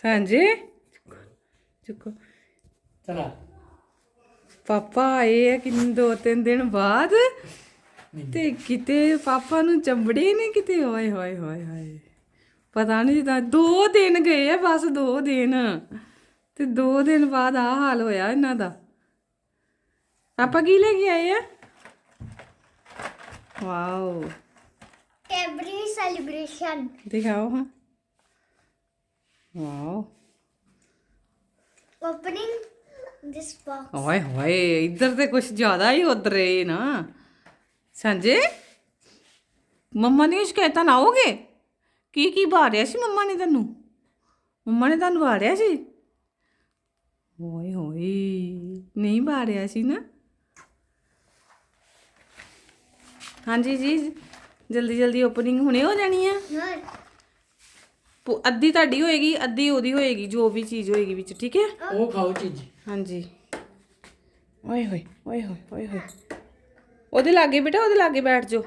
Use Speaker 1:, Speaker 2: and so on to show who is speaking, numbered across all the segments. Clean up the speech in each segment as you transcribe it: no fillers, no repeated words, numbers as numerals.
Speaker 1: ਸਾਂਝੇ ਚੁੱਕੋ
Speaker 2: ਚਲਾ
Speaker 1: ਪਾਪਾ ਆਏ ਆ ਕਿੰਨੇ 2-3 ਦਿਨ ਬਾਅਦ ਤੇ ਕਿਤੇ ਪਾਪਾ ਨੂੰ ਚੰਬੜੇ ਨੇ ਕਿਤੇ ਹੋਏ ਹੋਏ ਹੋਏ ਹੋਏ ਪਤਾ ਨਹੀਂ ਜਿੱਦਾਂ 2 ਦਿਨ ਗਏ ਆ ਬਸ 2 ਦਿਨ ਤੇ 2 ਦਿਨ ਬਾਅਦ ਆ ਹਾਲ ਹੋਇਆ ਇਹਨਾਂ ਦਾ। ਪਾਪਾ ਕੀ ਲੈ ਕੇ ਆਏ ਆ? Wow
Speaker 3: Every celebration.
Speaker 1: ਦਿਖਾਓ ਹਾਂ। Wow
Speaker 3: Opening this box.
Speaker 1: ਓਏ ਹੋਏ ਇੱਧਰ ਤੇ ਕੁਝ ਜ਼ਿਆਦਾ ਹੀ ਉਧਰ ਏ ਨਾ ਸੰਜੇ। ਮੰਮਾ ਦੀਆਂ ਸ਼ਿਕਾਇਤਾਂ ਨਾ ਆਓਗੇ? ਕੀ ਬਾਰਿਆ ਸੀ ਮੰਮਾ ਨੇ ਤੈਨੂੰ? ਮੰਮਾ ਨੇ ਤੁਹਾਨੂੰ ਬਾਰਿਆ ਸੀ? ਓਏ ਹੋਏ ਨਹੀਂ ਬਾਰਿਆ ਸੀ ਨਾ। ਹਾਂਜੀ ਜੀ ਜਲਦੀ ਜਲਦੀ ਓਪਨਿੰਗ ਹੁਣੇ ਹੋ ਜਾਣੀ ਆ। ਅੱਧੀ ਤੁਹਾਡੀ ਹੋਏਗੀ ਅੱਧੀ ਉਹਦੀ ਹੋਏਗੀ ਜੋ ਵੀ ਚੀਜ਼ ਹੋਏਗੀ ਵਿੱਚ ਠੀਕ ਹੈ।
Speaker 2: ਉਹ ਖਾਓ ਚੀਜ਼।
Speaker 1: ਹਾਂਜੀ ਓਏ ਹੋਏ ਓਏ ਹੋਏ ਓਏ ਹੋਏ ਉਹਦੇ ਲਾਗੇ ਬੇਟਾ ਉਹਦੇ ਲਾਗੇ ਬੈਠ ਜਾਓ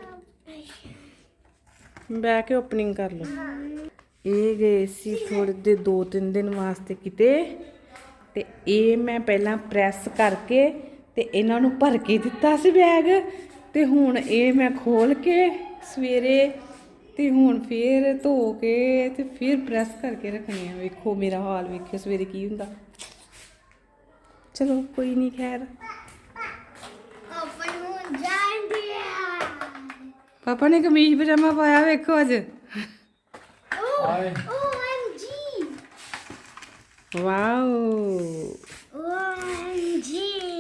Speaker 1: ਬਹਿ ਕੇ ਓਪਨਿੰਗ ਕਰ ਲਓ। ਇਹ ਗਏ ਸੀ ਥੋੜੇ ਦੇ 2-3 ਦਿਨ ਵਾਸਤੇ ਕਿਤੇ ਤੇ ਇਹ ਮੈਂ ਪਹਿਲਾਂ ਪ੍ਰੈਸ ਕਰਕੇ ਤੇ ਇਹਨਾਂ ਨੂੰ ਭਰ ਕੇ ਦਿੱਤਾ ਸੀ ਬੈਗ ਤੇ ਹੁਣ ਇਹ ਮੈਂ ਖੋਲ ਕੇ ਸਵੇਰੇ ਤੇ ਹੁਣ ਫੇਰ ਧੋ ਕੇ ਤੇ ਫਿਰ ਪ੍ਰੈਸ ਕਰਕੇ ਰੱਖਣੇ ਆ। ਵੇਖੋ ਮੇਰਾ ਹਾਲ ਵੇਖਿਓ ਸਵੇਰੇ ਕੀ ਹੁੰਦਾ। ਚਲੋ ਕੋਈ ਨਹੀਂ ਖੈਰ।
Speaker 3: Open moon giant.
Speaker 1: ਪਾਪਾ ਨੇ ਕਮੀਜ਼ ਪਜਾਮਾ ਪਾਇਆ ਵੇਖੋ ਅੱਜ।
Speaker 2: ਆਏ
Speaker 3: OMG.
Speaker 1: Wow
Speaker 3: OMG.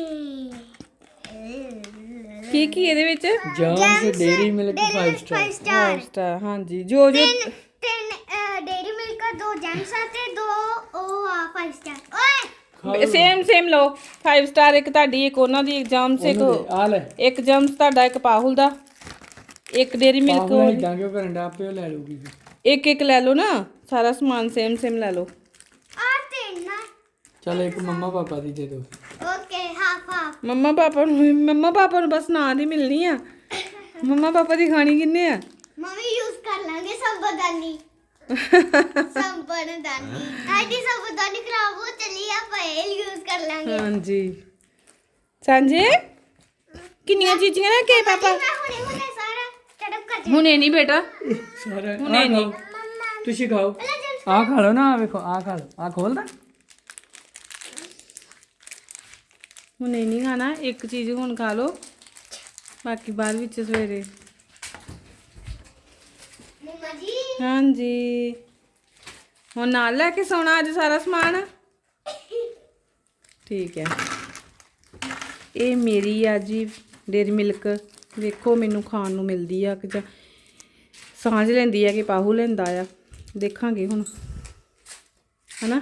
Speaker 1: ਕੀ ਇਹਦੇ ਵਿੱਚ?
Speaker 2: Gems Dairy Milk 5
Speaker 3: 5
Speaker 2: star.
Speaker 3: star.
Speaker 1: Star ਹਾਂਜੀ ਜੋ
Speaker 3: ਤਿੰਨ ਡੇਰੀ ਮਿਲਕ ਦਾ 2 ਜੈਮਸ ਆ ਤੇ 2 ਉਹ ਆ 5 ਸਟਾਰ। ਓਏ
Speaker 1: ਸੇਮ ਲਓ 5 ਸਟਾਰ ਇੱਕ ਤੁਹਾਡੀ ਇੱਕ ਉਹਨਾਂ ਦੀ ਐਗਜ਼ਾਮ ਸੇ
Speaker 2: ਆ ਲੈ
Speaker 1: ਇੱਕ ਜਮਸ ਤੁਹਾਡਾ ਇੱਕ ਪਾਹੁਲ ਦਾ ਇੱਕ ਡੇਰੀ ਮਿਲਕ
Speaker 2: ਪਾਹੁਲ ਇਦਾਂ ਕਿਉਂ ਕਰਨ ਦਾ ਆਪੇ ਉਹ ਲੈ ਲੂਗੀ
Speaker 1: ਇੱਕ ਲੈ ਲਓ ਨਾ ਸਾਰਾ ਸਮਾਨ ਸੇਮ ਲੈ ਲਓ।
Speaker 3: ਆ ਤਿੰਨ ਆ।
Speaker 2: ਚਲ ਇੱਕ ਮੰਮਾ ਪਾਪਾ ਦੀ ਦੇ ਦੋ।
Speaker 3: ਓਕੇ ਹਾਫ
Speaker 1: ਮੰਮਾ ਪਾਪਾ ਨੂੰ ਬਸ ਨਾਂ ਦੀ ਮਿਲਣੀ ਆ। ਮੰਮਾ ਪਾਪਾ ਦੀ ਖਾਣੀ ਕਿੰਨੇ ਆ?
Speaker 3: ਮੰਮੀ ਯੂਜ਼ ਕਰ ਲਾਂਗੇ ਸੰਬਦਾਨੀ ਆਦੀ ਸੰਬਦਾਨੀ ਖਰਾਬ ਹੋ ਚਲੀ ਆ ਪਏ ਯੂਜ਼ ਕਰ ਲਾਂਗੇ।
Speaker 1: ਹਾਂਜੀ ਸਾਂਝੇ ਕਿੰਨੀਆਂ ਚੀਜ਼ਾਂ ਲੈ ਕੇ ਪਾਪਾ?
Speaker 3: ਮੈਂ ਹੁਣੇ ਸਾਰਾ ਟੜਪ ਕਰ
Speaker 1: ਹੁਣੇ ਨਹੀਂ ਬੇਟਾ
Speaker 2: ਸਾਰੇ
Speaker 1: ਹੁਣੇ ਨਹੀਂ
Speaker 2: ਤੁਸੀਂ ਖਾਓ ਆ ਖਾ ਲਓ ਨਾ ਵੇਖੋ ਆ ਖਾ ਲਓ ਆ ਖੋਲਦਾ
Speaker 1: ਹੁਣੇ ਨਹੀਂ ਖਾਣਾ ਇੱਕ ਚੀਜ਼ ਹੁਣ ਖਾ ਲਓ ਬਾਕੀ ਬਾਅਦ ਵਿੱਚ ਸਵੇਰੇ।
Speaker 3: ਮਮਾ ਜੀ
Speaker 1: ਹਾਂਜੀ ਹੁਣ ਨਾਲ ਲੈ ਕੇ ਸੌਣਾ ਅੱਜ ਸਾਰਾ ਸਮਾਨ ਠੀਕ ਹੈ। ਇਹ ਮੇਰੀ ਆ ਜੀ ਡੇਰੀ ਮਿਲਕ ਵੇਖੋ ਮੈਨੂੰ ਖਾਣ ਨੂੰ ਮਿਲਦੀ ਆ ਕਿ ਜਾਂ ਸਾਂਝ ਲੈਂਦੀ ਆ ਕਿ ਪਾਹੂ ਲੈਂਦਾ ਆ ਦੇਖਾਂਗੇ ਹੁਣ ਹਨਾ।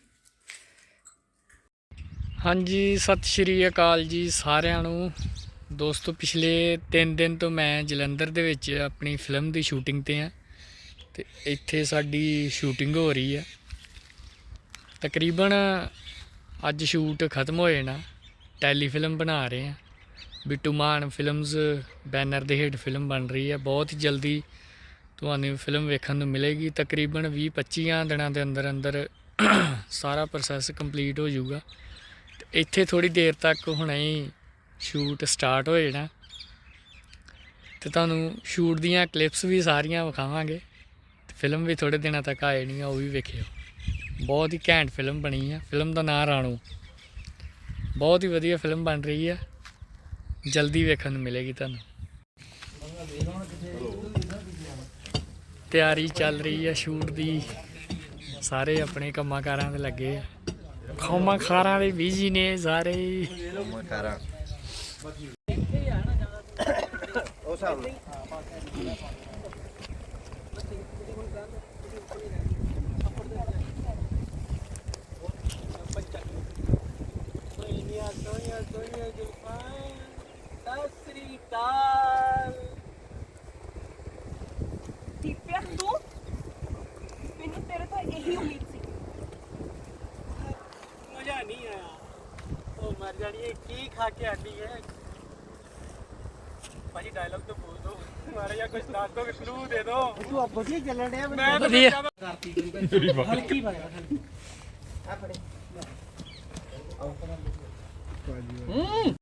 Speaker 2: ਹਾਂਜੀ ਸਤਿ ਸ਼੍ਰੀ ਅਕਾਲ ਜੀ ਸਾਰਿਆਂ ਨੂੰ। ਦੋਸਤੋ ਪਿਛਲੇ 3 ਦਿਨ ਤੋਂ ਮੈਂ ਜਲੰਧਰ ਦੇ ਵਿੱਚ ਆਪਣੀ ਫਿਲਮ ਦੀ ਸ਼ੂਟਿੰਗ ਤੇ ਆ ਤੇ ਇੱਥੇ ਸਾਡੀ ਸ਼ੂਟਿੰਗ ਹੋ ਰਹੀ ਹੈ। ਤਕਰੀਬਨ ਅੱਜ ਸ਼ੂਟ ਖਤਮ ਹੋ ਜਾਣਾ। ਟੈਲੀ ਫਿਲਮ ਬਣਾ ਰਹੇ ਆ ਬਿੱਟੂ ਮਾਨ ਫਿਲਮਸ ਬੈਨਰ ਦੇ ਹੇਠ ਫਿਲਮ ਬਣ ਰਹੀ ਹੈ। ਬਹੁਤ ਹੀ ਜਲਦੀ ਤੁਹਾਨੂੰ ਫਿਲਮ ਵੇਖਣ ਨੂੰ ਮਿਲੇਗੀ। ਤਕਰੀਬਨ 20-25 ਦਿਨਾਂ ਦੇ ਅੰਦਰ ਸਾਰਾ ਪ੍ਰੋਸੈਸ ਕੰਪਲੀਟ ਹੋ ਜਾਊਗਾ ਤੇ ਇੱਥੇ ਥੋੜੀ ਦੇਰ ਤੱਕ ਹੁਣੇ ਹੀ ਸ਼ੂਟ ਸਟਾਰਟ ਹੋ ਜਾਣਾ ਤੇ ਤੁਹਾਨੂੰ ਸ਼ੂਟ ਦੀਆਂ ਕਲਿੱਪਸ ਵੀ ਸਾਰੀਆਂ ਵਿਖਾਵਾਂਗੇ ਤੇ ਫਿਲਮ ਵੀ ਥੋੜੇ ਦਿਨਾਂ ਤੱਕ ਆ ਜਾਣੀ ਆ ਉਹ ਵੀ ਵੇਖਿਓ। ਬਹੁਤ ਹੀ ਘੈਂਟ ਫਿਲਮ ਬਣੀ ਆ। ਫਿਲਮ ਦਾ ਨਾਂ ਰਾਣੂ। ਬਹੁਤ ਹੀ ਵਧੀਆ ਫਿਲਮ ਬਣ ਰਹੀ ਆ ਜਲਦੀ ਵੇਖਣ ਨੂੰ ਮਿਲੇਗੀ ਤੁਹਾਨੂੰ। ਤਿਆਰੀ ਚੱਲ ਰਹੀ ਆ ਸ਼ੂਟ ਦੀ ਸਾਰੇ ਆਪਣੇ ਕੰਮਾਂ ਕਾਰਾਂ ਤੇ ਲੱਗੇ ਆ। ਕੰਮਾਂ ਕਾਰਾਂ ਦੇ ਬਿਜ਼ੀ ਨੇ ਸਾਰੇ। ਮਜ਼ਾ ਨਹੀਂ ਆਇਆ ਉਹ ਮਰ ਜਾਣੀ ਕੀ ਖਾ ਕੇ ਆਂਦੀ ਹੈ ਭਾਜੀ। ਡਾਇਲੌਗ तो बोल दो हमारे या कुछ डाल दो क्लू दे दो। तू अब बढ़िया चल रहा है मैं तो करती हल्की बात हल्की
Speaker 1: ਆਪਣੇ